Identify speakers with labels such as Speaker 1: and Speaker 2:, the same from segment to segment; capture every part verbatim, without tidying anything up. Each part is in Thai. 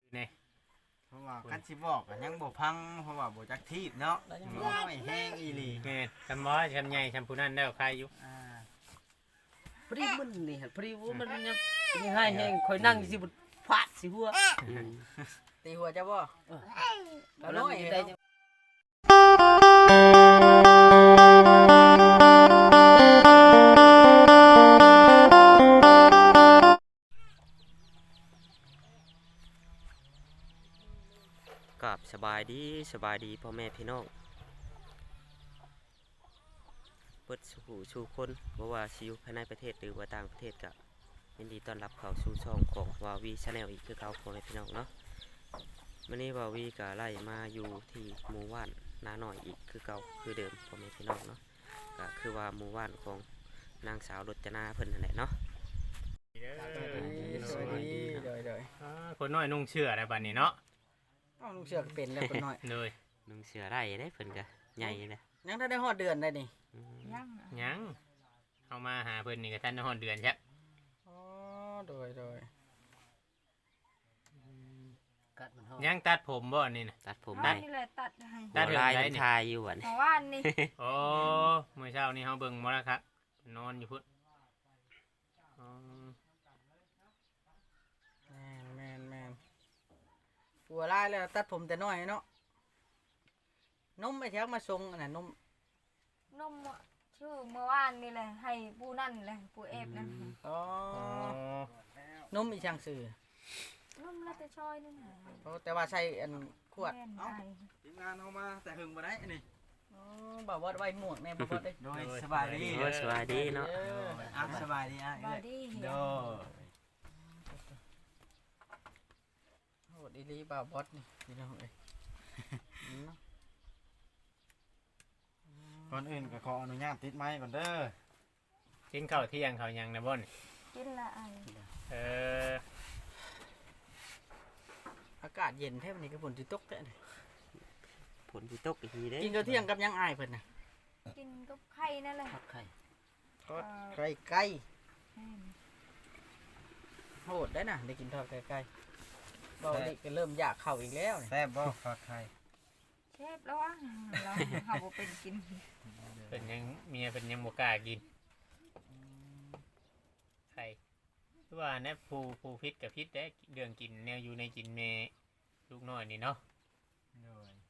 Speaker 1: นี่
Speaker 2: เพราะว่าคันสิบอกก็ยังบ่พังเพราะว่าบ่จักทีบเนาะน้อยแห้งอีหลี
Speaker 1: แม่นคำว่าคำใหญ่คำผู้นั้นแล้วใครอยู่
Speaker 2: อ่า
Speaker 3: พอดีมันนี่ฮะพอดีว่ามันยังยังให้แห้งคอยนั่งสิบฟาดสิหัว
Speaker 2: ตีหัวจะบ่
Speaker 3: แล้วน้อยได้
Speaker 4: กับสบายดีสบายดีพ่อแม่พี่น้องเปิดสู่สู่คนบ่ว่าสิอยู่ภายในประเทศหรือว่าต่างประเทศก็ยินดีต้อนรับเข้าสู่ช่องของวาวีชาแนลอีกคือเก่าพ่อแม่พี่น้องเนาะวันนี้วาวีก็ไล่มาอยู่ที่หมู่บ้านนาหน่อยอีกคือเก่าคือเดิมพ่อแม่พี่น้องเนาะก็คือว่าหมู่บ้านของนางสาวรจนาเพิ่นนั่นแหละเนาะ
Speaker 2: สวัสดีเดย
Speaker 1: อ่าคนน้อยนุ่งเชื่ออะไรบัดนี้เนาะ
Speaker 2: ๆเอ้าลุงเสือก็เป็นแล้วคนน้อย
Speaker 1: เลย
Speaker 4: นุ่งเสื้อได้เด้เพิ่นก็ใหญ่เลย
Speaker 2: ยังถ้าได้ฮอดเดือนได้นี่
Speaker 4: อืม
Speaker 5: ยัง
Speaker 1: ยังเอามาหาเพิ่นนี่ก็ท่านฮอดเดือนใช่
Speaker 2: อ๋อโดยโดย
Speaker 3: กัดมันห้อง
Speaker 1: ยังตัดผมบ่นี่นะ
Speaker 4: ตัดผม
Speaker 5: อ๋อ
Speaker 4: ได้
Speaker 5: นี่แหละตัดให้
Speaker 1: ตัด
Speaker 4: หัว
Speaker 1: เรื่อง
Speaker 4: ลาย
Speaker 1: ใด
Speaker 4: เป็น
Speaker 1: นี่
Speaker 4: ชายอยู่วัน
Speaker 5: เมื่อวานนี่
Speaker 1: โอ้เมื่อเช้านี่เฮาเบิ่งมาแล้วครับนอนอยู่พุ่นอ๋อ
Speaker 2: แม่นแม่นแม่นหัวลายแล้วตัดผมแต่น้อยเนาะนมไปแถวมาส่งอันน่ะนม
Speaker 5: นมชื่อเมื่อวานนี่แหละให้ปูนั่นแหละปูเอฟนั่น
Speaker 2: อ๋อ
Speaker 1: อ๋อน
Speaker 2: มอีช่างซื่อน
Speaker 5: มแล้วแต่ชอยนั่นน่ะ
Speaker 2: เพราะแต่ว่าใส่อันขวด
Speaker 5: แม่น
Speaker 2: เอ้า
Speaker 5: ไอ้
Speaker 2: ทีมงานเฮามาแต่หึงบ่ได้นี่อ๋อบ่าวว่าไว้หมวกแม่บ่บ่ได้โดยสบายดี
Speaker 4: โอ้ยสบายดีเนาะ
Speaker 2: อ่ะสบายดีอ่ะ
Speaker 5: บอดี้เหี่
Speaker 2: โด
Speaker 5: ยวย
Speaker 2: โหดอีหลีบ่าวบอสนี่พี่น้องเอ้ย
Speaker 6: ก่อนอื่นก็ขออนุญาตติดไม้ก่อนเด้อ
Speaker 1: กินข้าวเที่ยงข้าวหยังนะบ่น
Speaker 5: กินละไอ้
Speaker 1: เออ
Speaker 2: อากาศเย็นแท้วันนี้ก็ฝนสิตกแท้นี่
Speaker 4: ผลที่ตกอีกทีเด้
Speaker 2: กินข้าวเที่ยงกับยังอายเพิ่นน่ะ
Speaker 5: กินกับไข่นั่นแหละ
Speaker 3: ผักไข่
Speaker 2: ทอดไก่ไก่
Speaker 5: แม่น
Speaker 2: โหดได้น่ะได้กินทอดไก่ไก่เบาดิก็เริ่มอยากเข้าอีกแล้วนี่
Speaker 6: แซ่บบ่ฝากไข่
Speaker 5: เชฟแล้วอ่ะเราเฮาบ่เป็นกิน
Speaker 1: เป็นยังเมียเป็นยังบ่กล้ากินใครคือว่าแน่ผู้ผู้พิษกับพิษได้เรื่องกินแนวอยู่ในกินเมลูกน้อยนี่เนาะ
Speaker 6: โดย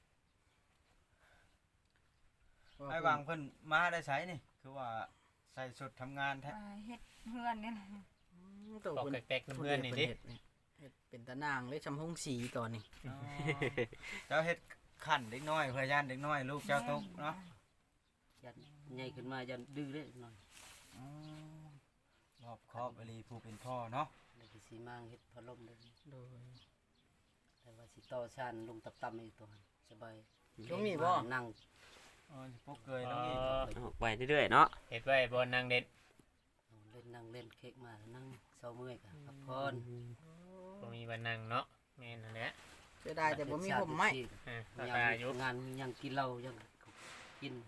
Speaker 6: ไอ้วางเพิ่นมาได้ใช้นี่คือว่าใส่ชุดทำงานแท้
Speaker 5: อ่าเฮ็ดเฮือนนี่แหละ
Speaker 2: อืมตัว
Speaker 1: ตอก
Speaker 2: เพิ่น
Speaker 1: แตกๆน้ำเพื่อนนี่ดิ
Speaker 2: เฮ็ดเฮ็ดเป็นตะนางเลยชำหงสีตอนนี้
Speaker 6: อ๋อเจ้าเฮ็ดขันเด็กน้อยเพื่อย่านเด็กน้อยลูกเจ้าตกเนาะ
Speaker 3: ยันใหญ่ขึ้นมายันดื้อเลยหน่อย
Speaker 6: อ๋อรอบครอบอลีผู้เป็นพ่อเนาะ
Speaker 3: แล้วก็สีมางเฮ็ดพัดลมเลย
Speaker 2: โดย
Speaker 3: แต่ว่าสิต่อชานลงตับๆในตัวหันสบาย
Speaker 2: ตรงนี้บ่
Speaker 3: นั่ง
Speaker 6: อ๋อพวกเกยต้องนี่
Speaker 4: ออกไปเรื่อยๆเนาะ
Speaker 1: เห็ดไว้บนนางเด็ด
Speaker 3: เล่นนั่งเล่นเค้กมานั่งเศร้าเมื่อยกันพักผ่อน
Speaker 1: บ่มีบันนังเนาะแม่นนั่นแหละ
Speaker 2: เสียดายแต่บ่มีผมไม้
Speaker 1: อ่า
Speaker 3: ยั
Speaker 1: ราง คาอยู่
Speaker 3: งานยังกินเหล้ายังกิน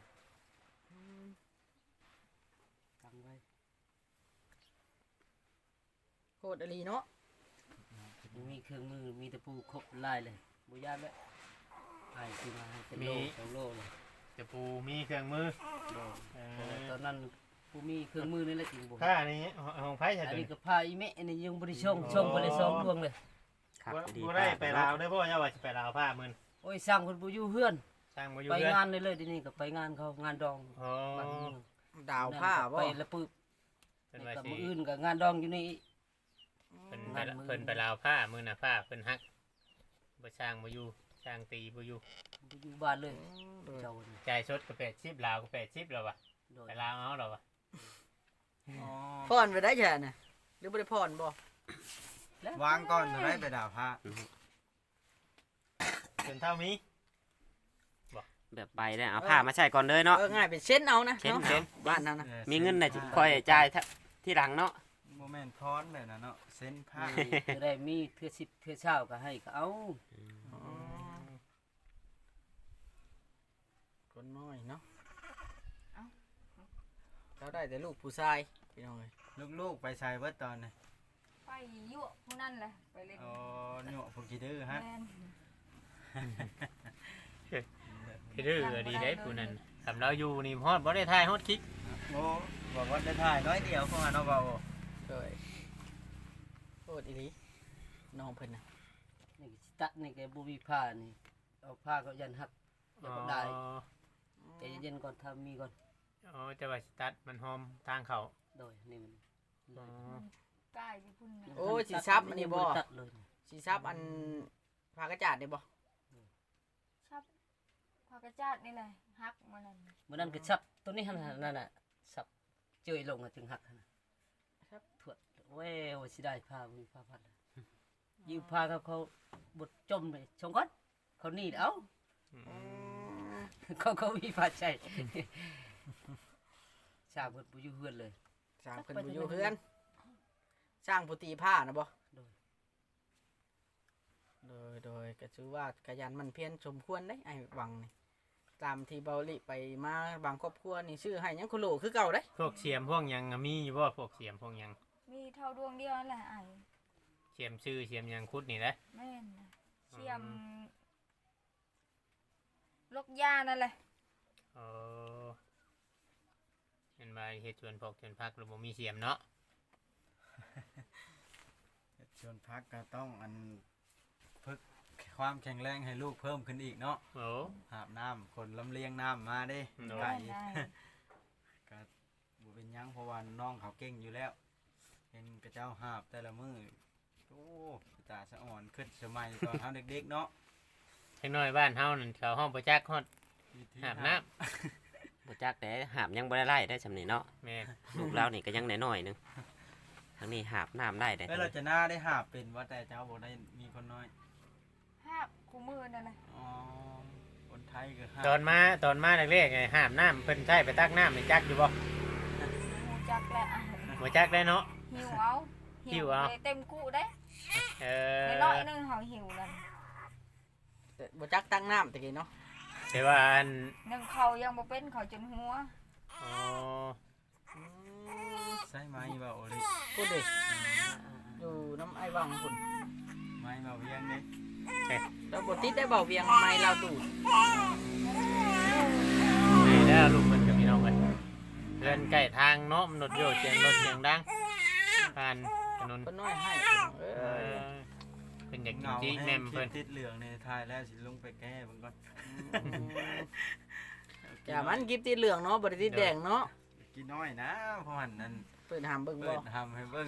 Speaker 3: ตั้งไว้
Speaker 2: โคตรอลีเนาะ
Speaker 3: มีเครื่องมือมีตะปูครบลายเลยบุญาตเลยให้ที่มาให้เป็นโลสองโลเลย
Speaker 1: จะปูมีเครื่องมือ
Speaker 3: โล
Speaker 1: เอ
Speaker 3: เออ
Speaker 1: อ
Speaker 3: ตอนนั้นผู้มีเครื่องมือนี่แหละจริงบุ
Speaker 1: ผ้านี่ของไผ่ใช่
Speaker 3: อัน
Speaker 1: ตัว
Speaker 3: นี้
Speaker 1: นี้
Speaker 3: ก็พาอีเมะอันนี้ยังบริช่องช่องบริช่องดวงเลย
Speaker 4: ครับ
Speaker 1: บ่
Speaker 4: ดี
Speaker 1: บ่ได้ไปลาวได้บ่ย่าว่าสิไปลาวผ้ามื้อ
Speaker 3: โอ้ยสร้างคนบุอยู่เฮือน
Speaker 1: สร้างบ่อยู่
Speaker 3: ไป
Speaker 1: เรือน
Speaker 3: งานเลยเลยทีนี้ก็ไปงานเขางานดอง
Speaker 1: อ๋อ
Speaker 3: บ้านเมือง
Speaker 2: ดาวผ้าบ่
Speaker 3: ไปแล้วปึ๊บ
Speaker 1: เพิ่น
Speaker 3: นี่
Speaker 1: ว่า
Speaker 3: กับ
Speaker 1: สิ
Speaker 3: มืออื่นกับงานดองอยู่นี่
Speaker 1: เพิ่นไปเพิ่นไปลาวผ้ามื้อน่ะผ้าเพิ่นฮักบ่สร้างบ่อยู่สร้างตีบ่อยู่
Speaker 3: บุอยู่บ้านเลย
Speaker 2: โดย
Speaker 3: เจ้านี่
Speaker 1: จ่ายสดก็แปดสิบลาวก็แปดสิบแล้วว่ะ
Speaker 3: โดย
Speaker 1: ไปลาวเอาแล้วว่ะ
Speaker 6: อ๋อ
Speaker 2: พรไปได้แค่น่ะหรือบ่ได้พรบ่
Speaker 6: วางก่อนจะได้ไปดาวพระ
Speaker 1: จนเท่ามี
Speaker 4: แบบไปได้เอาผ้ามาใส่ก่อนเลยเนาะ
Speaker 2: เออง่ายเป็นเส้นเอานะ
Speaker 4: เส้น
Speaker 2: เนาะ
Speaker 4: เส้น
Speaker 2: บ้านนั้นนะ
Speaker 4: มีเงินน่ะค่อยจ่ายที่หลังเนาะ
Speaker 6: โมเมนต์ท้อนเลยนะเนาะเส้นผ้า
Speaker 3: นี่จะได้มีเทื่อสิบเทื่อเช้าก็ให้ก็เอา
Speaker 2: คนน้อยเนาะเขาได้แต่ลูกผู้ชายพี่น้องเอ้ย
Speaker 6: ลูกๆไปใส่เบิดตอนนี้
Speaker 5: ไปยั่วผู้นั่นแหละไปเล่น
Speaker 6: อ๋อหนวกพวกกี่ดื้อฮะ
Speaker 5: แม่น
Speaker 1: ที่ดื้อก็ดีได้ผู้นั้นสำเราอยู่นี่ฮอดบ่ได้ทายฮอดคลิก
Speaker 6: โอ้บอกว่าได้ถ่ายน้อยเดียวเข้ามาเนาะเบา
Speaker 2: โดยโคตรอีหลีน้องเพิ่นน่ะ
Speaker 3: นี่ก็สิตัดนี่แกบ่มีผ้านี่เอาผ้าก็ยันหักแล้วก็ได้
Speaker 1: อ๋อ
Speaker 3: ใจเย็นๆก่อนทำมีก่อน
Speaker 1: อ๋อจะว่าสตัดมันหอมทางเขา
Speaker 3: โดยนี่มัน
Speaker 1: อ๋อ
Speaker 5: ใกล้ที่พุ่นน่ะ
Speaker 2: โอ้สิซับอันนี้บ่
Speaker 3: ตัดเลย
Speaker 2: สิซับอันผ้ากระจาดนี่บ่
Speaker 5: ชับพากระจาดนี่แหละฮักมันนั่น
Speaker 3: เมื่อนั้นก็ชับตัวนี้หั่นน่ะนั่นน่ะสับเจยลงอะจึงหักหั่นน่ะครับถวดโอ้ยโอ้ยสิได้ผ้าบ่มีผ้าพัดเลยยืมผ้าเขาเขาบดจมเลยชงก่อนเขาหนีบเอา เขาเขามีผ้าใช้ สร้างเพิ่นบ่อยู่เฮือนเลย
Speaker 2: สร้างเพิ่นบ่อยู่เฮือนสร้างผู้ตีผ้านะบ่
Speaker 3: โดย
Speaker 2: โดยโดยก็ถือว่ากยันมันเพียรสมควรได้ไอ้หวังนี่ตามที่เบาลิไปมาบางครอบครัวนี่ชื่อให้หยังคุโหลคือเก่าเด้
Speaker 1: พวกเสียมพวกหยังอะมีอยู่บ่พวกเสียมพวกหยัง
Speaker 5: มีเท่าดวงเดียวนั่นแหละไอ้
Speaker 1: เสียมชื่อเสียมหยังคุดนี่แหละ
Speaker 5: แม่นน่ะเสียมลกยานั่นแหละ
Speaker 1: เออเห็นมาเฮ็ดชวนพวกชวนพักหรือบ่มีเสียมเนาะ
Speaker 6: ชวนพักก็ต้องอันฝึกความแข็งแรงให้ลูกเพิ่มขึ้นอีกเนาะ
Speaker 1: โอ้
Speaker 6: หาบน้ำคนลำเลียงน้ำมาเด้
Speaker 1: โดย
Speaker 6: ไก่
Speaker 5: แม่นได้
Speaker 6: ก็บ่เป็นหยังเพราะว่าน้องเขาเก่งอยู่แล้วเห็นกระเจ้าหาบแต่ละมือโอ้ตาสะอ่อนขึ้นสมัยตอนเฮาเด็กๆเนาะ
Speaker 1: เล็กน้อยบ้านเฮานั่นเขาห้องประจักษ์ฮอด
Speaker 6: วิธี
Speaker 1: หาบน้ำ
Speaker 4: บ่จักแต่หาบยังบ่ได้ไล่ได้สำนี้เนาะ
Speaker 1: แม่น
Speaker 4: ลูกเรานี่ก็ยังน้อยๆหนึงทางนี้หาบน้ำได้ได้
Speaker 6: เอ้ยเราจะหน้าได้หาบเป็นว่าแต่เจ้าบ่ได้มีคนน้อย
Speaker 5: ฮักกูมือนั่นแหละ
Speaker 6: อ๋อคนไทยก็หาบ
Speaker 1: ตอนมาตอนมาแรกๆไงหาบน้ำเพิ่นใช้ไปตักน้ำนี่จักอยู่บ่
Speaker 5: หูจักแหละไอ้
Speaker 1: บ่จักได้เนาะ
Speaker 5: หิวเอา
Speaker 1: หิวเอา
Speaker 5: ได้เต็มกูได้
Speaker 1: เออ
Speaker 5: ในน้อยๆหนึงเขาหิวนั่น
Speaker 2: แต่บ่จักตั้งน้ำตะกี้เนาะ
Speaker 1: แต่ว่าอัน
Speaker 5: หนึ่งเขายังบ่เป็นเขาจนหัว
Speaker 1: อ๋อ
Speaker 6: ใช่ไหมเบาโอลิ
Speaker 2: พูดดิอยู่น้ำไอ้หวังพุ่น
Speaker 6: ไม้เบาเวียงเด้
Speaker 2: แล้วบ่ติดได้เบาเวียงไม้เราดูด
Speaker 1: นี่แล้วลูกมันกับพี่น้องกันเดินใกล้ทางเนาะมันรถโยดเสียงรถเสียงดังผ่านถนน
Speaker 2: เพิ่นน้อยให้เอ
Speaker 1: เอ
Speaker 2: อ
Speaker 1: อเพิ่นอยาก
Speaker 6: เห
Speaker 1: กิน
Speaker 6: งา
Speaker 1: จี
Speaker 6: ให้
Speaker 1: แม่ม
Speaker 6: คลิ
Speaker 1: เพิ่
Speaker 6: ป
Speaker 1: น
Speaker 6: ติดเหลืองในทายแล้วสิลงไปแก้เบิ่งก่อน
Speaker 2: อย่ามันกิบติดเหลืองเนาะบ่ได้ติดแดงเนาะ
Speaker 6: กินน้อยนะเพราะหันนั้น
Speaker 2: เปิดหามเบิ่ง
Speaker 6: เปิ
Speaker 2: บ่
Speaker 6: ดทำให้เบิ่ง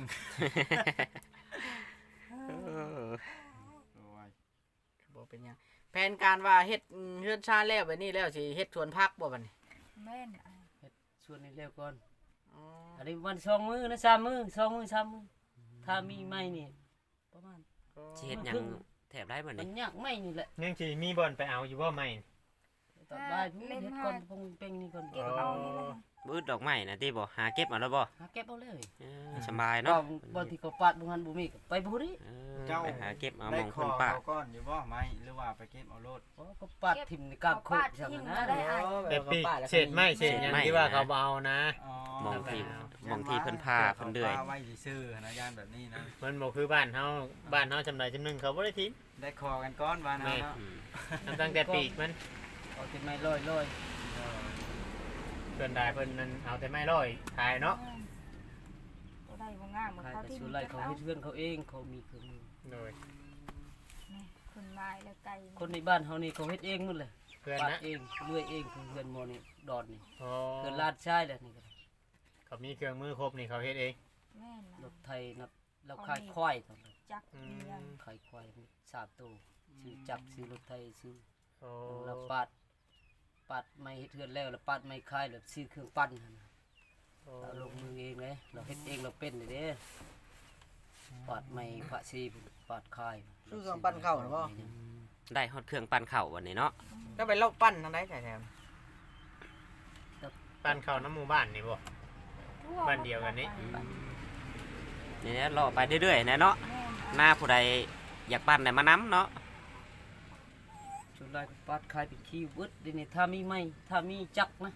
Speaker 4: เออ
Speaker 6: โอ้ย
Speaker 2: บ่เป็นหยังแผนการว่าเฮ็ดเฮือนชาแล้วแบบนี้แล้วสิเฮ็ดสวนผักบ่บัดนี้
Speaker 5: แม่นไอ้
Speaker 3: ชวนนี่เร็วก่อน
Speaker 2: อ๋อ
Speaker 3: อันนี้วันสองมือนะสามมือสองมือสามมือถ้ามีไม้นี่ประมาณ
Speaker 4: สิเฮ็ดหยังแถบได้บ่
Speaker 3: มั
Speaker 4: นี่
Speaker 3: นยากไม้นี่แหละ
Speaker 1: ยังสิมีบ่อนไปเอาอยู่บ่ใหม่
Speaker 3: ตอนบ่ายพูดเฮ็ดก่อนพงเป่งนี่ก่อน
Speaker 5: เก็บเอานี่แหละ
Speaker 4: บืดดอกไม้นะติบ่หาเก็บเอาแล้วบ่
Speaker 3: หาเก็บเอาเลย
Speaker 4: เออสบาย
Speaker 3: เนาะ
Speaker 4: เนาะ
Speaker 3: บางทีก็ปาดบุหันบุมีก็ไปบุรี
Speaker 4: เออไปหาเก็บเอาห
Speaker 6: ได้
Speaker 4: มอง
Speaker 6: ค
Speaker 4: ค
Speaker 6: อน
Speaker 4: ป่า
Speaker 6: เขาก้อนอยู่บ่ไหมหรือว่าไปเก็บเอาโลด
Speaker 3: โอ้ก็ปาดทิ่มในกาบโคกจังนะ
Speaker 1: เด็ดปีกเศษไม้เศษหยังที่ว่าเขาบ่เอานะ
Speaker 6: อ๋อ
Speaker 4: มองที่มองที่เพิ่นพาเพิ่นเดือย
Speaker 6: าไว้ซื่อๆนะย่านแบบนี้นะ
Speaker 1: มันบ่คือบ้านเฮาบ้านเฮาจำได้จำหนึงเขาบ่ได้ทิ้ง
Speaker 6: ได้คอกันก้อนวานเอาเนาะ
Speaker 4: อืม
Speaker 1: ทำตั้งแต่ปีกมัน
Speaker 3: เอาที่ไม้ลอยลอย
Speaker 6: เออ
Speaker 1: เพิ่นได้เพิ่นนั่นเอาแต่ไม้ร้อยขายเนาะ
Speaker 5: บ่ได้บ่งามเหมือน
Speaker 3: ใคร
Speaker 5: เขา
Speaker 3: แต่
Speaker 5: ที่
Speaker 3: ส่วน
Speaker 5: มี
Speaker 3: ไร
Speaker 5: เก็บ
Speaker 3: เขา
Speaker 5: เอา
Speaker 3: เฮ็ดเพื่อนเขาเองเขามีเครื่องมือ
Speaker 1: โดย
Speaker 5: นี่ขึ้นไม้แล้วไก่
Speaker 3: คนในบ้านเขานี่เขาเฮ็ดเองหมดเลย
Speaker 1: เพื่อน
Speaker 3: ปาด
Speaker 1: นะ
Speaker 3: เองเลื่อยเองคือเพื่อนโมนี่ดอนนี่
Speaker 1: โอ้
Speaker 3: เพื่อนลาดชายแหละนี่ก็ได้
Speaker 1: เขามีเครื่องมือครบนี่เขาเฮ็ดเอง
Speaker 5: แม่น
Speaker 3: ร
Speaker 5: นะ
Speaker 3: ถไทยนับเราขายควายตอนนั้น
Speaker 5: จัก
Speaker 1: อื
Speaker 5: เดียว
Speaker 1: ม
Speaker 3: ขายควายสามตัวซื้อจักรซื้อรถไทยซื้อ
Speaker 1: โอ้
Speaker 3: แล้วปาดปาดไม้เฮ็ดเทือนแล้วแล้วปาดไม้คายแล้วซื้อเครื่องปั้นหั่นน่ะ
Speaker 1: โอ้
Speaker 3: เราลงมือเองเลยเราเฮ็ดเองเราเป็นเลยเด้ปาดไม้พระซีปาดคาย
Speaker 2: ซื้อเครื่องปั้นข้าวน่ะบ่
Speaker 4: ได้ฮอดเครื่องปั่นข้าววันนี้เนาะ
Speaker 2: ก็ไปเล่าปั้นทางใดแท้
Speaker 1: บ้านเขาน้ำหมู่บ้านนี่บ่
Speaker 5: ทั่ว
Speaker 1: บ้านเดียวกันนี่
Speaker 4: นี่แหละรอไปเรื่อยๆนะเนาะ
Speaker 5: แม่น
Speaker 4: หน้าผู้ใดอยากปั่นได้มานํเนาะ
Speaker 3: ส่วนไรก็ปาดคายเป็นขี้วึดเดี๋ยวนี้ถ้ามีไม้ถ้ามีจักรนะ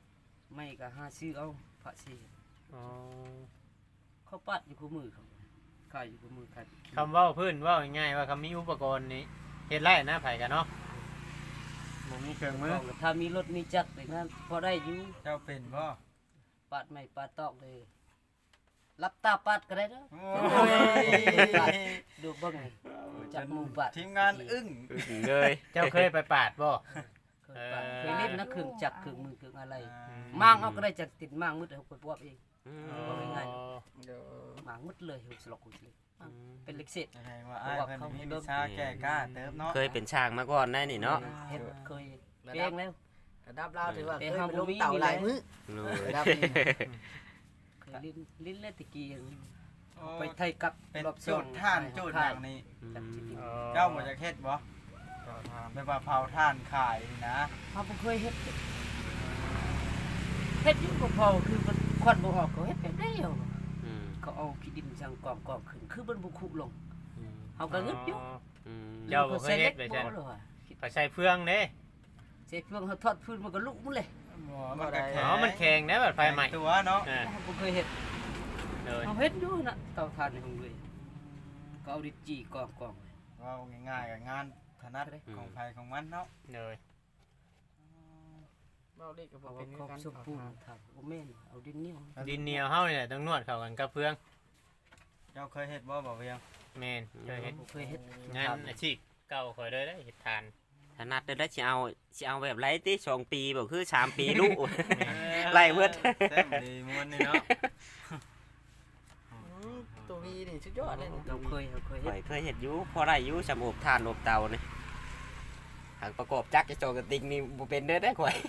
Speaker 3: ไม้ก็หาซื้อเอาพระซี
Speaker 1: อ๋อ
Speaker 3: เขาปาดอยู่คู่มือเขาขายอยู่กับมือขาย
Speaker 1: คำเว้าพื้นเว้าง่ายๆว่าคำมีอุปกรณ์นี้เฮ็ดไรนะไผกันเนาะบ่มีเครื่องมือ
Speaker 3: ถ้ามีรถมีจักรอย่างนั้นพอได้อยู่
Speaker 6: เจ้าเป็นบ่
Speaker 3: ปาดไม่ปาดตอกเลยรับตาปาดก็ได้เนาะ
Speaker 6: โอ้ย
Speaker 3: ดูเบิ่งนี่จับหมู่ปาด
Speaker 6: ทีมงานอึ้ง
Speaker 4: เลย
Speaker 1: เจ้าเคยไปปาดบ่
Speaker 3: เคยปาดเคยเล่นนะเครื่องจักรเครื่องมือเครื่องอะไร
Speaker 6: อ่า
Speaker 3: มางเอาก็ได้จากติดมางมืดเอาไปปวบเอง
Speaker 4: อืม
Speaker 1: อ๋อ
Speaker 3: ง่าย
Speaker 2: เดี๋ยว
Speaker 3: มางมืดเลยหุบสลอกหุบเลยมางเป็นเล็กเศษ
Speaker 6: แสดงว่าอ้ายเพิ่นมีวิชาแก้กล้าเติบเนาะ
Speaker 4: เคยเป็นช่างมาก่อนได้นี่เนาะ
Speaker 3: เฮ็ดเคยเก่งแล้ว
Speaker 2: ระดับเราถือว่าเค
Speaker 3: เอ้
Speaker 2: ย
Speaker 3: ย
Speaker 2: ไป
Speaker 3: เฮา
Speaker 2: ล
Speaker 3: บ่
Speaker 2: ง
Speaker 3: มี
Speaker 2: เต่า
Speaker 3: มี
Speaker 2: หลาย
Speaker 3: แล้ว
Speaker 2: มื้อ
Speaker 4: เลย
Speaker 2: ระดับนี้
Speaker 3: เคยลิ้นลิ้นเล่นตะกี้
Speaker 6: โอ้
Speaker 3: ไปไทยกับ
Speaker 6: เป็น
Speaker 3: รอบ
Speaker 6: จุดท่านจุดอย่างนี้
Speaker 3: จักสิกิน
Speaker 6: เจ้าบ่จะเฮ็ดบ่แบบว่าเผาท่านขายนะ
Speaker 3: เฮาบ่เคยเฮ็ดเฮ็ดอยู่ก็พอคือมันควันบ่ออกก็เฮ็ดแบบได้เอา
Speaker 4: อืม
Speaker 3: เขาเอาขี้ดินจังกองกองขึ้นคือมันบ่คุลงเฮาก็งึดอยู่
Speaker 4: อืม
Speaker 1: เจ้าบ่เคยเฮ็ดไป
Speaker 3: ใช่
Speaker 1: ซั่น
Speaker 3: บ่ล่ะ
Speaker 1: ไปใช้เฟืองเด้
Speaker 3: เสร็จเพิ่งเฮาทอดพื้นมันก็ลุกหมดเลย
Speaker 6: หมอมันก็แข็
Speaker 1: อ๋อมันแข็งนะแบบไฟใหม่
Speaker 6: ตัวเนาะ
Speaker 1: อ่า
Speaker 3: เฮาบ่เคยเฮ็ด
Speaker 1: เลย
Speaker 3: เฮาเฮ็ดอยู่น่ะเตาถ่านในห้องเลยก็เอาดินจี้กองกอง
Speaker 6: ว่าง่ายๆกับงานถนัดของไผของมันเนาะ
Speaker 1: เลย
Speaker 2: เว้าเล็กก็บ่
Speaker 3: เอา
Speaker 2: เป็น
Speaker 3: ครบ
Speaker 2: กัน
Speaker 3: สมบูรณ์ถามบ่แม่นเอาดินเหนียว
Speaker 1: ดินเหนียวเฮานี่แหละต้องนวดเข้ากันกับเฟือง
Speaker 6: เจ้าเคยเฮ็ดบ่บ่เวียง
Speaker 1: แม่นเคยเฮ็ด
Speaker 3: บ่เคยเฮ็ด
Speaker 1: งานอาชีพเก่าข่อยเลยได้เฮ็ดทาน
Speaker 4: ถนัดได้สิเอาสิเอาแบบไรติสองปีบ่คือสามปีลูก ไล่เบิด
Speaker 6: แซ่บดีม่วนนี่เนาะ
Speaker 2: อืมตัววีนี่สุดยอดเลยนี่
Speaker 3: เราเคยเราเคยเฮ็
Speaker 4: ข่
Speaker 3: ด
Speaker 4: อยเคยเฮ็ดอยู่พอได้อยู่สำอบทานอบเตานี่หากประกอบจักรจะโจกระติกนี่บ่เป็นเด้อได้อข่อย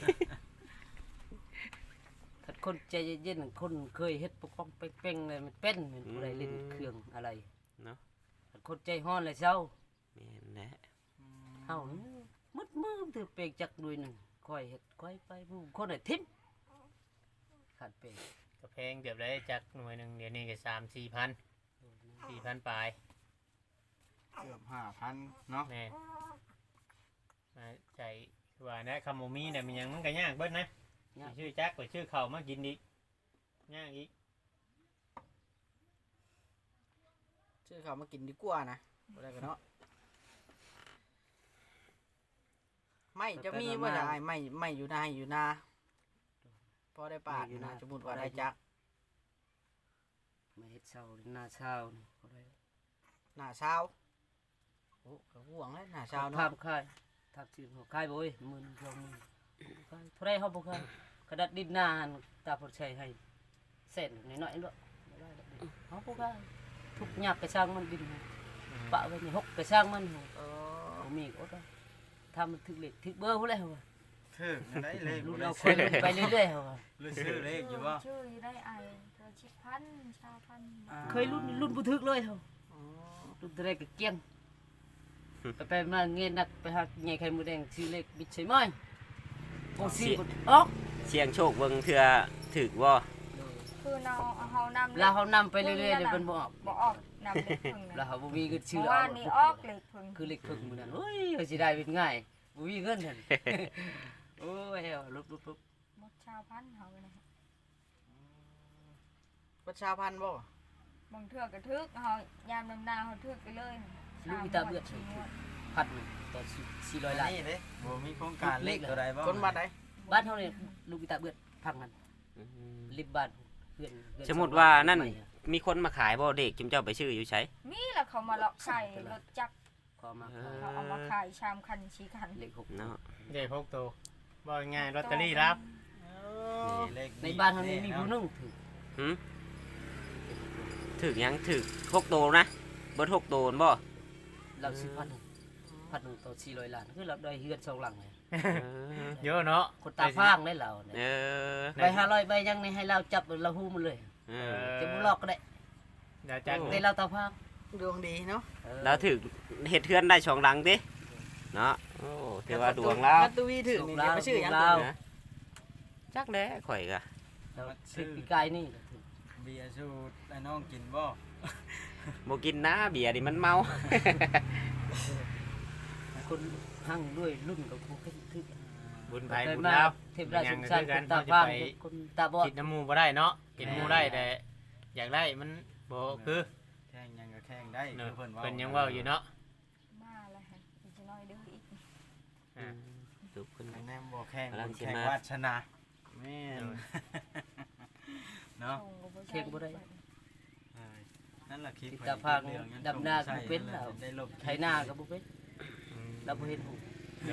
Speaker 3: ถ้าคนใจเย็นๆคนเคยเฮ็ดปกป้องเป้งๆเลยมันเป็นมันบ่ได้เล่นเครื่องอะไร
Speaker 4: เนาะ
Speaker 3: ถ้าคนใจร้อนเลยเศร้า
Speaker 4: แม่นแหละ
Speaker 3: เฮามืดมือถือเปกจักด้วยหนึงค่อยเฮ็ดค่อยไปผู้คนน่ะทิ่มขาดเปก
Speaker 1: ก็แพงเกือบได้จักหน่วยหนึงเดี๋ยวนี้ก็สามสี่พันสี่พันปลาย
Speaker 6: เกือบห้าพันเนาะ
Speaker 1: แม่นมาใจคือว่านะคำโมมีเนี่ยมันยังมันก็ยากเบิดนะสิชื่อจักไปชื่อเขาวมากินอีกยากอีก
Speaker 2: ชื่อเขามากินดีกว่านะบ่ได้กันเนาะไม่จะมีบ่ได้ไม่ไม่อยู่นาอยู่นาพอได้ปาดนะสมมุติว่าได้จัก
Speaker 3: มาเฮ็ดเช้าหน้าเช้านี่บ่ได้
Speaker 2: หน้าเช้าโอ้ก็ห่วงเลยหน้าเช้า
Speaker 3: ทา
Speaker 2: เนาะ
Speaker 3: มค่ายทามชื่อเขาค่ายบ่เอ้ยหมื่นสองหมื่นค่ายเท่าไรเฮาบ่ค่ายกระดัดดินนานตาพดใช้ให้เส้นน้อยๆเนาะบ่ได้ดอกเด้เฮาบ่ค่ายทุกยากกระช่างมันดินปะไว้นี่หกกระช่างมัน
Speaker 2: เออ
Speaker 3: บ่มีอดเอาถ้ามันถึกเลขถึกเบอร์พุ่นแล้วว่ะ
Speaker 6: ถึกได้เลข
Speaker 3: รุ่
Speaker 6: บ่
Speaker 3: น
Speaker 6: ได้
Speaker 3: เราค
Speaker 6: ซื้
Speaker 3: ย
Speaker 6: อ
Speaker 3: รุ่นไปเรื่อยๆเขาว่า
Speaker 6: รู้ชื่อเลขอยู่บ่
Speaker 5: ชื่อได้ไอเธอชิพันชาพัน
Speaker 3: เคยรุ่นรุ่นบ่ถึกเลยเขา
Speaker 2: อ๋อ
Speaker 3: รุ่นแต่แรกก็เกลี้ยงไปไปมาเงินนักไปหาใหญ่ไข่หมูแดงชื่อเลขบิดใช่ไหมโอ้สิบ่ออก
Speaker 4: เสียงโชคเบิ่งเทื่อถึกบ่
Speaker 5: คือเราเอาเฮานำ
Speaker 3: แล้วเขานำไปเรื่อยๆเดี๋ยวมันบ่ออก
Speaker 5: บ่ออกนำเล็กพึ่ง
Speaker 3: แล้ว
Speaker 5: นะ
Speaker 3: เขาบ่มีเงินชื่
Speaker 5: เมื่
Speaker 3: อ
Speaker 5: อ
Speaker 3: เอา
Speaker 5: วานนี้ออกเล็กพึ่ง
Speaker 3: คือเลขพึ่งมื้อนั้นโอ้ยเขาสิได้เป็นง่ายบ่มีเงินนั่นโอ้ยเอาลุบๆๆ
Speaker 5: หมดชาวพันเฮาเลยนะ
Speaker 2: ประชาพันธ์บ่
Speaker 5: บางเทื่อกระทึกเฮายามนำนาเฮาทึกไปเลย
Speaker 3: ลูกอีตาเบือด
Speaker 5: ชีงวด
Speaker 3: พันหนึ่งต่อสี่ร้อยล้าน
Speaker 6: นี่เด้บ่มีโครงการเลขตัวใดบ่
Speaker 2: คนบ้านใด
Speaker 3: บ้านเฮานี่ลูกอีตาเบือดพังนั้นริบบ้านเพื่อนเพื่อน
Speaker 4: สมมุติว่านั่นมีคนมาขายบ่เด็กจุมเจ้าไปชื่ออยู่ไส
Speaker 5: มีแล้วเขามาเลาะใส่รถจักร
Speaker 3: ขอมา
Speaker 5: เขาเอามาขายชามคันชีคัน
Speaker 3: เลขหก
Speaker 4: เนาะ
Speaker 1: เด็กพกตัวบ่ง่ายลอตเตอรี่รับ
Speaker 6: นี่เลข
Speaker 3: ในบ้านเฮานี่มีผู้หนึงถือ
Speaker 4: หึถึกหยังถึกหกโตนะเบิดหกโตนบ่
Speaker 3: เราซื้อพันหนึ่งพันหนึ่งต่อสี่ร้อยล้านคือเราได้เฮือนสองหลังเลย
Speaker 1: เยอะเนาะ
Speaker 3: คนตาฟางได้เราเนี่ย
Speaker 4: เออ
Speaker 3: ใบห้าร้อยใบยังในให้เราจับเราหู้มันเลย
Speaker 4: เอ
Speaker 1: เอ
Speaker 4: อ
Speaker 1: อ
Speaker 3: จะบุลอกก็ได้
Speaker 1: เดี๋ยวจัก
Speaker 3: ในเราตาฟาง
Speaker 2: ดวงดีเนาะ
Speaker 4: แล้วถึกเฮ็ดเทือนได้สองหลังติเนาะโอ้ถือว่าดวงแล้ว
Speaker 2: ถ้าตัววีถึงนี่เดี๋ยวไปชื่อหยัง
Speaker 3: เรา
Speaker 4: นะจักแล้ข่อยก็
Speaker 3: เราซื้อปีกายนี่ก็ถือ
Speaker 6: เบียร์สูตรไอ้น้องกินบ่
Speaker 4: บ่กินนะเบียร์นี่มันเมา
Speaker 3: คนหั่งด้วยรุ่นกับผู้ขึ้นถือ
Speaker 1: บุญไผ
Speaker 3: ไป
Speaker 1: บุญ
Speaker 3: มา
Speaker 1: ดาว
Speaker 3: เทพราชสงสาร
Speaker 1: ยั
Speaker 3: ค
Speaker 1: ง
Speaker 3: น
Speaker 1: ไง
Speaker 3: ตา
Speaker 1: คือ
Speaker 3: ฟาง
Speaker 1: กัน
Speaker 3: คนตาบอด
Speaker 1: กินน้ำมูบ่ได้เนาะกินหมูได้แต่อยากได้มันบ่คือ
Speaker 6: แท่งหยังก็แข่งได้
Speaker 1: เนาะ
Speaker 6: คือเพิ่นเว้า
Speaker 1: เพิ่นยังเว้าอยู่เนาะ
Speaker 5: มาแล้วฮะอีกจะน้อยเดื้ออีก
Speaker 1: อ่า
Speaker 4: ลูกเพิ่น
Speaker 6: แนมบ่แข่ง
Speaker 4: กำลังสิ
Speaker 6: แข่ง
Speaker 4: มา
Speaker 6: วาสนาแม่นเนาะ
Speaker 5: ส่งก็บ่
Speaker 3: เค้กบ่ได้
Speaker 6: เออนั่นล่ะคลิป
Speaker 3: ติดตาพางดำนาก็บ่เป็นแล้ว
Speaker 6: ได้ลบ
Speaker 3: ไถนาก็บ่เป็นเราบ่เห็นหู
Speaker 1: เลย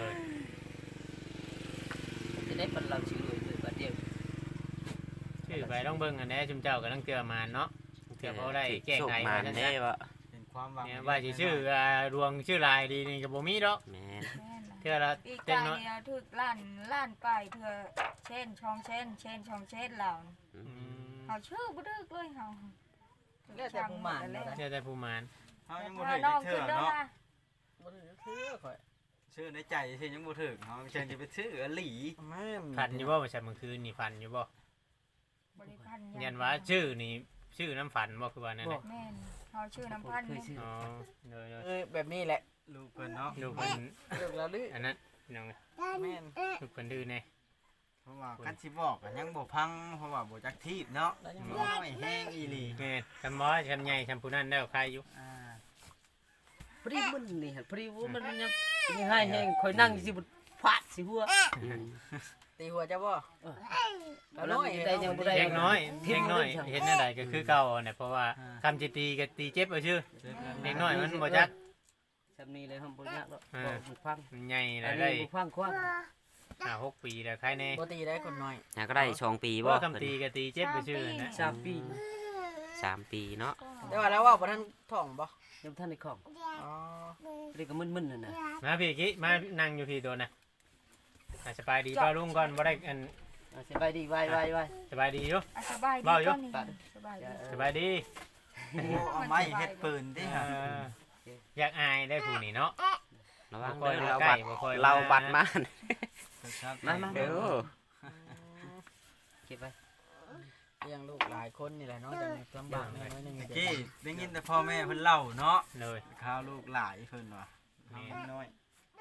Speaker 3: จะได้ปันเราชื่อเลยเลยบัดเดียว
Speaker 1: ชื่อไปต้องเบิ่งอันแหน่ชุมเจ้าก็ต้องเตือมาเนาะเตือเขาได้แก้ไข
Speaker 4: โชคมา
Speaker 1: ว่าจัง
Speaker 4: แน่
Speaker 1: ซั่น
Speaker 4: ว่า
Speaker 6: เป็นความหวัง
Speaker 1: เนี่ยว่าสิชื่ออ่ารวงชื่อลายดีนี่ก็บ่มีดอก
Speaker 4: แม่น
Speaker 5: แม่นล่ะ
Speaker 1: เทื่อละ
Speaker 5: ปี
Speaker 1: เต็
Speaker 5: กาม ย
Speaker 1: เนาะ
Speaker 5: เนี่ยถึกล้านล้านไปเถื่อเช่นช่องเช่น เช่นช่องเช่นเหล่า
Speaker 1: อืม
Speaker 5: เฮาชื่อบ่ดึกเลยเฮา
Speaker 2: แล้วแต่ผู้หมาน
Speaker 5: แล้ว
Speaker 2: เนาะ
Speaker 1: เทื่อแต่ผู้มาน
Speaker 6: เฮายังบ่
Speaker 5: ถ้า
Speaker 6: ถึง
Speaker 5: น้อง
Speaker 6: เทื่
Speaker 5: ขึ้
Speaker 6: อน
Speaker 5: เด้อ
Speaker 6: เนาะ
Speaker 5: มา
Speaker 2: บ่ได้คือข่อย
Speaker 6: ชื่อในใจสิยังบ่ถึงเฮาเชิญจะไปชื่ออหลี
Speaker 2: แม่น
Speaker 1: พันอยู่บ่ว่าซั่นเมื่อคืนนี่พันอยู่บ่
Speaker 5: บริพันธ์
Speaker 1: ยันว่าชื่อนี่ชื่อน้ำฝันบ่คือว่านั่นแหละ
Speaker 5: แม่นเฮาชื่อน้ำพันธ์
Speaker 3: เคย
Speaker 5: เนี่ย
Speaker 3: ชื่อ
Speaker 1: อ๋อเลยเลย
Speaker 2: เอ้ยแบบนี้แหละ
Speaker 6: ลูกเพิ่นเนาะ
Speaker 1: ลูกเพิ่น
Speaker 2: เลิกแล้วลือ
Speaker 1: อันนั้นน้อง
Speaker 2: แม่น
Speaker 1: ลูกเพิ่นดื้อแน่
Speaker 6: เพราะว่าคันสิบอกก็ยังบ่พังเพราะว่าบ่จักทีบเนาะ
Speaker 2: แล้วยัง
Speaker 6: น้อยแห้งอีหลี
Speaker 1: แม่นคำบ่คำใหญ่คำผู้นั้นได้ใครอยู่
Speaker 6: อ่า
Speaker 3: พอดีมันนี่ฮะพอดีว่ามันยังมีให้แห้งคอยนั่งสิบฟาดสิหัว
Speaker 2: ตีหัวเจ้าบ่
Speaker 3: เอาน้อยได้ยังบ่ได้
Speaker 1: เด็กน้อยเด็กน้อยเห็นอะไรก็คือเก่าเนี่ยเพราะว่าคำจิตีก็ตีเจ็บเอาชื่อเด็กน้อยมันบ่จัก
Speaker 3: ซำนี้เลยห้องบ่ยากหรอกบ่มันฟัง
Speaker 1: มันใหญ่
Speaker 3: อั
Speaker 1: แล้
Speaker 3: น
Speaker 1: ว
Speaker 3: นี้
Speaker 1: ได้
Speaker 3: บ่ฟังกว้าง
Speaker 1: ห้าหกปีแล้วใครแน่
Speaker 2: บ่ตีได้คนน้อย
Speaker 4: น่าก็ได้สองปีบ่
Speaker 1: ว่าคำตีก็ตีเจ็บเอาชื่อนะ
Speaker 3: สามปี
Speaker 4: สามปีเนาะ
Speaker 2: แต่ว่าแล้วว่าบ่ทันท้องบ่
Speaker 3: ยังท่านในของ
Speaker 2: อ๋อ
Speaker 3: พอดีก็มึนๆนั่นน่ะ
Speaker 1: มาพี่กี้มานั่งอยู่พี่โดนนะอ่ะสบายดีป้าลุงก่อนบ่ได้อัน
Speaker 3: เอาสบายดีไว้ๆ
Speaker 1: สบายดีอยู่
Speaker 5: อ่ะสบายดี
Speaker 1: เว้าอยู่
Speaker 5: ตอนนี้สบายดี
Speaker 1: สบายดี
Speaker 6: โอ้เอาไม้เฮ็ดปืนติ
Speaker 1: เอ
Speaker 6: ฮะ
Speaker 1: ออยากอายได้ผู้นี่เนาะ
Speaker 4: ระวัง
Speaker 1: บ่ค่อย
Speaker 4: เด้อ
Speaker 1: มา
Speaker 4: เรา
Speaker 1: ใกล้
Speaker 4: บัตร
Speaker 1: บ่ค่อย
Speaker 4: เรา
Speaker 1: มา
Speaker 4: บัตรมา
Speaker 3: มามา
Speaker 4: เด้อ
Speaker 3: เก็บไว้
Speaker 2: เลี้ยงลูกหลายคนนี่แหละเนาะจังลำบากแน่น้อยหนึง
Speaker 6: ตะกี้ได้ยินแต่พ่อแม่เพิ่นเล่าเนาะ
Speaker 1: เลย
Speaker 6: ข้าวลูกหลายเพิ่นว่า
Speaker 1: แม่
Speaker 6: น้อย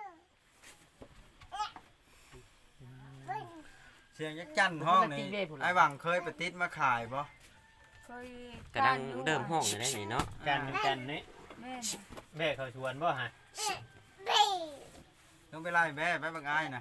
Speaker 6: เสียงยักษ์จันห้องนี่ไอ้หวังเคยไปติดมาขายบ่
Speaker 5: เคย
Speaker 4: กำลังเริ่มห้องอยู่ได้นี่เนาะ
Speaker 1: กันกันนี่
Speaker 5: แม่น
Speaker 1: แม่เขาชวนบ่ฮะ
Speaker 6: ต้องไปไล่แม่ไปบักอ้ายนะ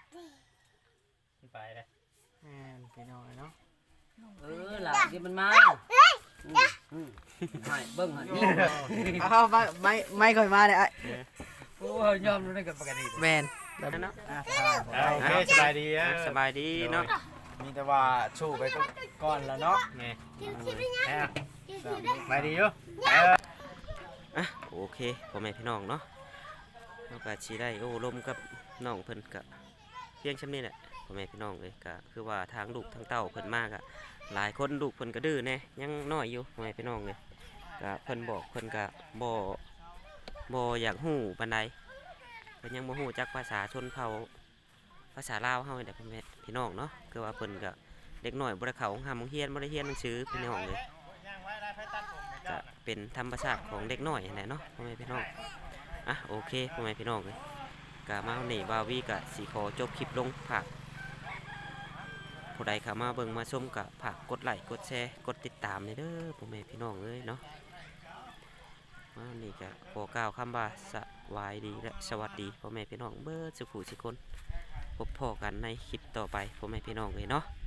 Speaker 1: ไปเลย
Speaker 2: แม่นพี่น้อยเนาะ
Speaker 3: เออล่ะเดี๋ยวมันมาอืมอืมให้เบิ่งให้นี่
Speaker 2: เอาไม่ไม่ไม่ค่อยมาเลยไอ้
Speaker 3: โอ้ยยอมรู้ได้กับปกติ
Speaker 2: แมน
Speaker 4: นั่นเนาะ
Speaker 6: อ่ะ
Speaker 1: อ่าโอเคสบายดีอ่ะ
Speaker 4: สบายดีเนาะ
Speaker 6: มีแต่ว่าชูไปก่อนแล้วเนาะ
Speaker 1: แม่แม่สบายดีอยู่เออ
Speaker 4: อ่ะโอเคพ่อแม่พี่น้องเนาะเราก็สิได้โอ้ลมกับน้องเพิ่นก็เพียงช่ำนี้แหละพ่อแม่พี่น้องเลยก็คือว่าทางลูกทางเต้าเพิ่นมากอะหลายคนลูกเพิ่นก็ดื้อแน่ยังน้อยอยู่พ่อแม่พี่น้องเลยก็เพิ่นบอกเพิ่นก็บ่บ่อยากฮู้ปานใดเพิ่นยังบ่ฮู้จักภาษาชนเผ่าภาษาลาวเฮานี่แหละพ่อแม่พี่น้องเนาะคือว่าเพิ่นก็เด็กน้อยบ่ได้เข้าโรงหาโรงเรียนบ่ได้เรียนหนังสือพี่น้องเลยก็เป็นธรรมชาติของเด็กน้อยนั่นแหละเนาะพ่อแม่พี่น้องอ่ะโอเคพ่อแม่พี่น้องเลยก็มาวันนี้บาวีก็สิขอจบคลิปลงฝากผู้ใดเข้ามาเบิ่งมาชมก็ฝากกดไลค์กดแชร์กดติดตามเลยเด้อพ่อแม่พี่น้องเอ้ยเนาะมาวันนี้ก็ขอกล่าวคำว่าสวัสดีและสวัสดีพ่อแม่พี่น้องเบิดสุขุสุคนพบพ่อกันในคลิปต่อไปพ่อแม่พี่น้องเลยเนาะ